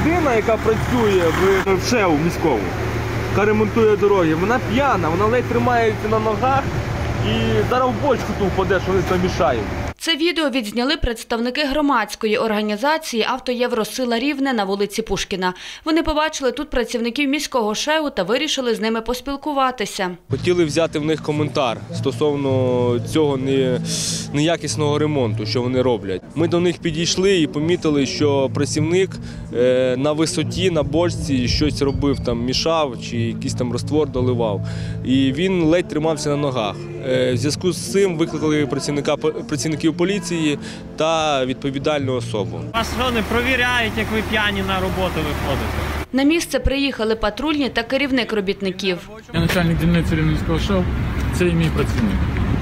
людина, яка працює в ШЕУ міському, яка ремонтує дороги, вона п'яна, вона ледь тримається на ногах і зараз в бочку ту впаде, що вони там мішають. Це відео відзняли представники громадської організації «Автоєвросила Рівне» на вулиці Пушкіна. Вони побачили тут працівників міського ШЕУ та вирішили з ними поспілкуватися. Хотіли взяти в них коментар стосовно цього неякісного ремонту, що вони роблять. Ми до них підійшли і помітили, що працівник на висоті, на бочці щось робив, там мішав чи якийсь там розтвор доливав. І він ледь тримався на ногах. В зв'язку з цим викликали працівників поліції та відповідальну особу. Вас що, не провіряють, як ви п'яні на роботу виходите? На місце приїхали патрульні та керівник робітників. Я начальник дільниці Рівненського ШЕУ, це і мій працівник.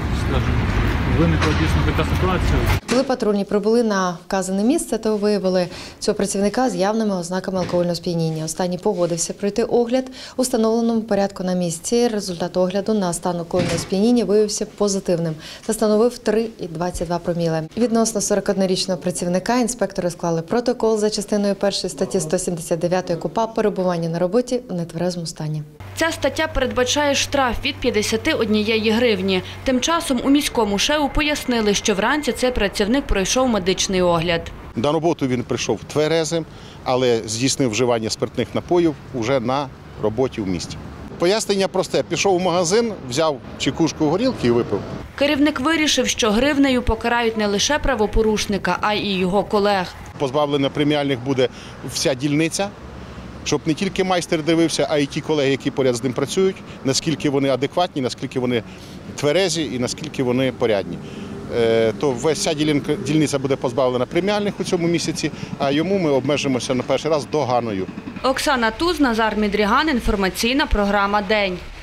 Виникла дійсно така ситуація. Коли патрульні прибули на вказане місце, то виявили цього працівника з явними ознаками алкогольного сп'яніння. Останній погодився пройти огляд у встановленому порядку на місці. Результат огляду на стан алкогольного сп'яніння виявився позитивним та становив 3,22 проміле. Відносно 41-річного працівника інспектори склали протокол за частиною 1 статті 179 КУпАП «Перебування на роботі в нетверезому стані». Ця стаття передбачає штраф від 51 гривні. Тим часом у міському ШЕУ пояснили, що вранці цей працівник пройшов медичний огляд. На роботу він прийшов тверезим, але здійснив вживання спиртних напоїв вже на роботі в місті. Пояснення просте. Пішов в магазин, взяв чекушку горілки і випив. Керівник вирішив, що гривнею покарають не лише правопорушника, а й його колег. Позбавлення преміальних буде вся дільниця, щоб не тільки майстер дивився, а й ті колеги, які поряд з ним працюють, наскільки вони адекватні, наскільки вони тверезі і наскільки вони порядні. То вся дільниця буде позбавлена преміальних у цьому місяці, а йому ми обмежимося на перший раз доганою. Оксана Туз, Назар Мідріган, інформаційна програма «День».